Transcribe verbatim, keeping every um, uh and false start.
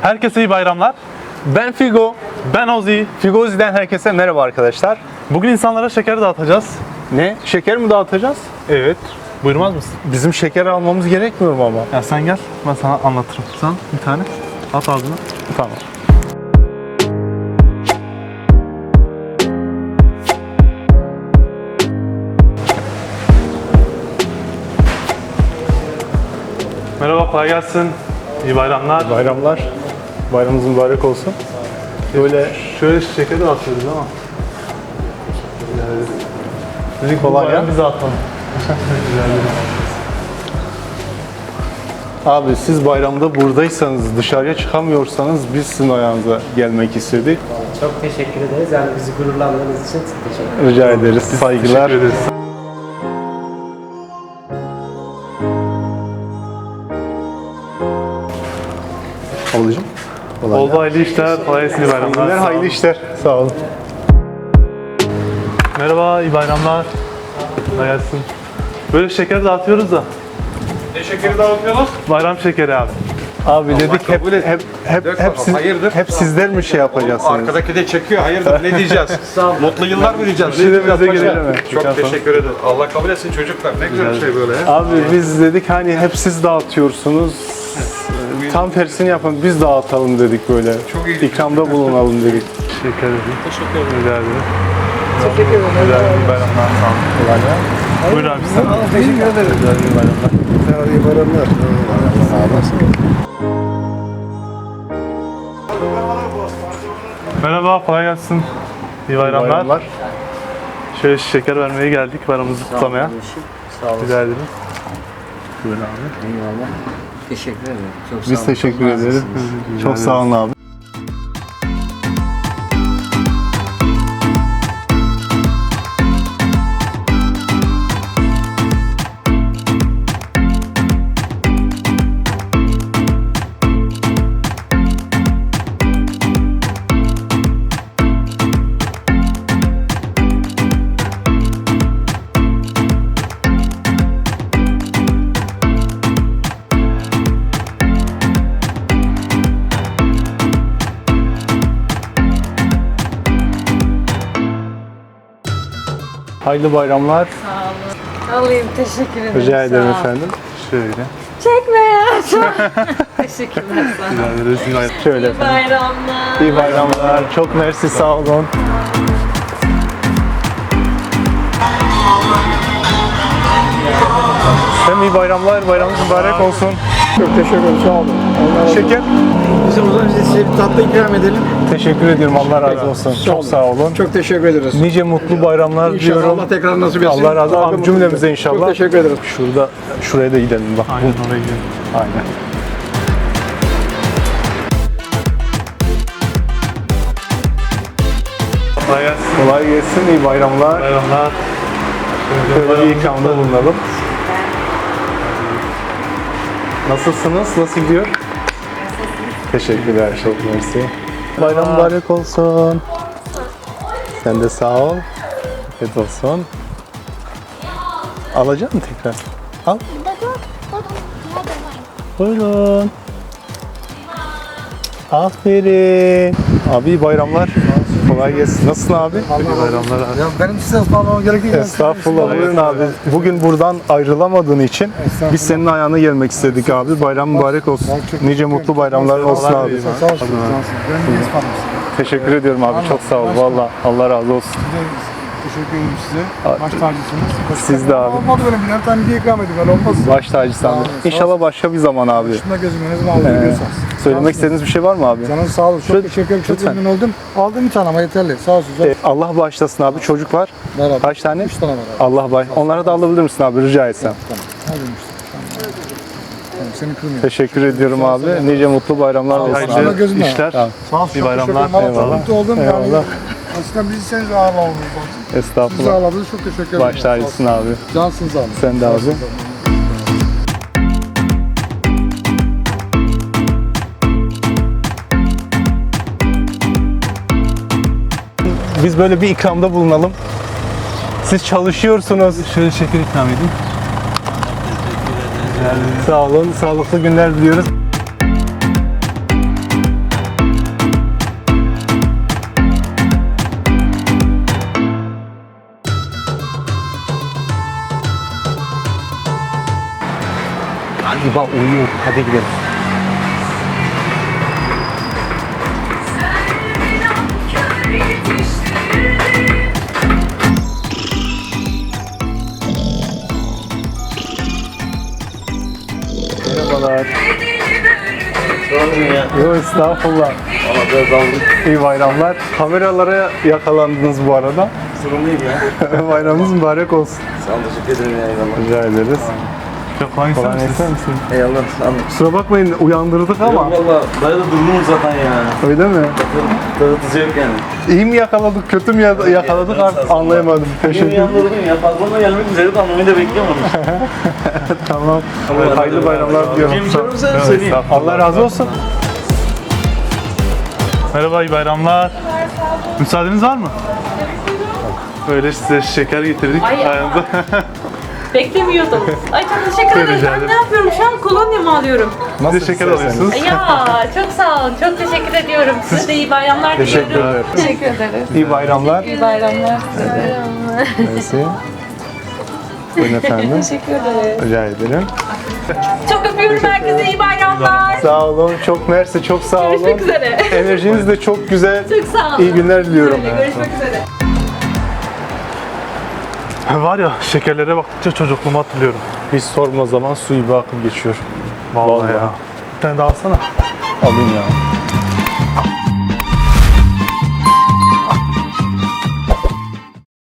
Herkese iyi bayramlar. Ben Figo. Ben Ozi. Figozi'den herkese merhaba arkadaşlar. Bugün insanlara şeker dağıtacağız. Ne? Şeker mi dağıtacağız? Evet. Buyurmaz mısın? Bizim şeker almamız gerekmiyor mu ama? Ya sen gel, ben sana anlatırım. Sen bir tane at ağzına. Tamam. Merhaba, kolay gelsin. İyi bayramlar. Bayramlar. Bayramımız mübarek olsun. Böyle Şöyle şeker dağıtıyoruz ama. Dedik Kolay kolay ya. Biz dağıtalım. abi siz bayramda buradaysanız, dışarıya çıkamıyorsanız biz sizin ayağınıza gelmek istedik. Çok teşekkür ederiz. Yani bizi gururlandığınız için teşekkür ederiz. Rica ederiz. Saygılar. Teşekkür ederiz. Ablacığım. Kolay Oldu, hayırlı işler, kolay gelsin, iyi bayramlar. gelsin. Sağ olun. Hayırlı işler. Sağ olun. Merhaba, iyi bayramlar. Kolay gelsin. Böyle şeker dağıtıyoruz da. Ne şekeri dağıtıyorsunuz? Bayram şekeri abi. Abi dedik hep kabul et. hep hep Dök hep, bakalım, siz, hayırdır? hep sizler mi şey yapacaksınız? Arkadaki de çekiyor. Hayırdır ne diyeceğiz? Mutlu yıllar mı diyeceğiz? Ne Şiremize diyeceğiz girelim paşa? mi? Çok teşekkür ederim. Allah kabul etsin çocuklar. Ne güzel bir şey böyle ya. Abi biz dedik hani hep siz dağıtıyorsunuz. Tam tersini yapın, biz dağıtalım dedik böyle. Çok iyi. İkramda bulunalım dedik. Şeker edeyim. Teşekkür ederim. Rica ederim. Teşekkür ederim. Güzel bir bayramlar, sağ olun. Buyur abi sen. Teşekkür ederim. Güzel bir bayramlar. İyi bayramlar. Sağ olasın. Merhaba, kolay gelsin. İyi bayramlar. Bayramlar. Şöyle şeker vermeye geldik, bayramımızı kutlamaya. Sağ olun. Rica ederim. Buyurun abi. Eyvallah. Teşekkür ederim. Çok sağ Biz olun. teşekkür Çok ederiz. naziksiniz. Çok sağ olun abi. Hayırlı bayramlar. Alayım, teşekkür ederim. Rica ederim sağ ol. efendim. Şöyle. Çekme ya. Çok teşekkürler sana. Rica ederiz. İyi bayramlar. Şöyle İyi efendim. bayramlar. İyi bayramlar. Çok mersi, sağ olun. Hem iyi bayramlar, bayramınız mübarek olsun. Çok teşekkür ederim, sağ olun. Allah Şeker. Biz o zaman size bir tatlı ikram edelim. Teşekkür ediyorum, Allah razı olsun. Çok sağ olun. Çok teşekkür ederiz. Nice mutlu bayramlar İnşallah diliyorum. Allah tekrar nasip etsin. Allah razı olsun. Daha da Cümlemize mutlu- inşallah. Çok teşekkür ederim. Şurada, şuraya da gidelim bak. Aynen oraya gidelim. Aynen. Kolay gelsin. Kolay gelsin, iyi bayramlar. Bayramlar. Şöyle bir ikramda bulunalım. Nasılsınız? Nasıl gidiyor? Teşekkürler, çok mersi. Bayram mübarek olsun. Sen de sağ ol. Afiyet olsun. Alacak mısın tekrar? Al. Buyurun. Aferin. Abi iyi bayramlar. Kolay gelsin. Nasılsın abi? İyi bayramlar abi. Ya benim size ısmarlamam gerektiği gibi. Estağfurullah. Buyurun abi. Bugün buradan ayrılamadığın için biz senin ayağına gelmek istedik abi. Bayram mübarek olsun. Nice mutlu bayramlar olsun abi. Sağ olsun. Ben de ısmarlamışsın. Teşekkür ediyorum abi. Çok sağ ol. Valla Allah razı olsun. Teşekkür ederim size. Baş tacısınız. Siz de abi. Olmadı benim birer tane bir ikram edin. Öyle olmaz. Baş tacısı abi. İnşallah başka bir zaman abi. Şunda gözüme ne zaman alabiliyorsanız. Söylemek istediğiniz bir şey var mı abi? Canınız sağ olun. Çok teşekkür ederim. Çok Lütfen. memnun oldum. Aldım bir tane ama yeterli. Sağ olsun. Ee, Allah bağışlasın abi. Çocuk var. Beraber. Kaç tane? Üç tane var abi. Allah bağış. Onlara da alabilir misin abi rica etsem? Hadi işte. Tamam, seni kırmıyorum. Teşekkür ediyorum abi. Nice mutlu bayramlar olsun Şuna abi. Hayırlı gözüme. işler. Tamam. Sağ olsun. İyi çok bayramlar. teşekkür ederim. Eyvallah. Mutlu oldum. Yani Eyvallah. aslında bizi siz ağırlamamız lazım. Bizi Estağfurullah. ağırladınız. Çok teşekkür ederim. Baş tacısın abi. Cansınız abi. Sen de abi. Biz böyle bir ikramda bulunalım. Siz çalışıyorsunuz. Şöyle şeker ikram edeyim. Sağ olun. Sağlıklı günler diliyoruz. Baba uyuyor. Hadi gidelim. Merhabalar. Yok estağfurullah. İyi bayramlar. Kameralara yakalandınız bu arada. Sorun değil ya. Bayramınız mübarek olsun. Sağ ol, teşekkür ederim ya. Eyvallah. Rica ederiz. Çok kolay Kolay ister ister misiniz? misin? Eyvallah. Sağ ol. Kusura bakmayın uyandırdık ama. Yok valla. Dayı da durgunum zaten ya. Öyle mi? Dağıtıcı yok yani. İyi mi yakaladık, kötü mü ya- yakaladık artık anlayamadım. Teşekkür Beni ederim. yandırdın ya. Fazlama gelmek üzere de anlamayı da bekliyorum onu. Tamam. Hayırlı bayramlar diliyorum. Kim görürse söyleyeyim. Allah razı olsun. Merhaba, iyi bayramlar. Müsaadeniz var mı? Böyle size şeker getirdik. Ay, Ayağınıza. Beklemiyordum. Ay çok teşekkür ederim. Rica Ben ederim. ne yapıyorum şu an? Kolonya mı alıyorum? Nasıl Siz de şeker isterseniz. alıyorsunuz. Ya çok sağ olun. Çok teşekkür ediyorum. Size de iyi bayramlar Teşekkür diliyorum. ederim. Teşekkür ederiz. İyi bayramlar. İyi bayramlar. Neyse. Buyurun efendim. Teşekkür ederim. Rica ederim. Çok öpüyorum herkese. İyi bayramlar. Sağ olun. Çok mersi. Çok sağ olun. Görüşmek üzere. Enerjiniz de çok güzel. Çok sağ olun. İyi günler diliyorum. Öyle, görüşmek üzere. Var ya, şekerlere baktıkça çocukluğumu hatırlıyorum. Hiç sorma zaman su gibi akıp geçiyor. Vallahi, Vallahi. ya. Bir tane daha alsana. Alayım ya.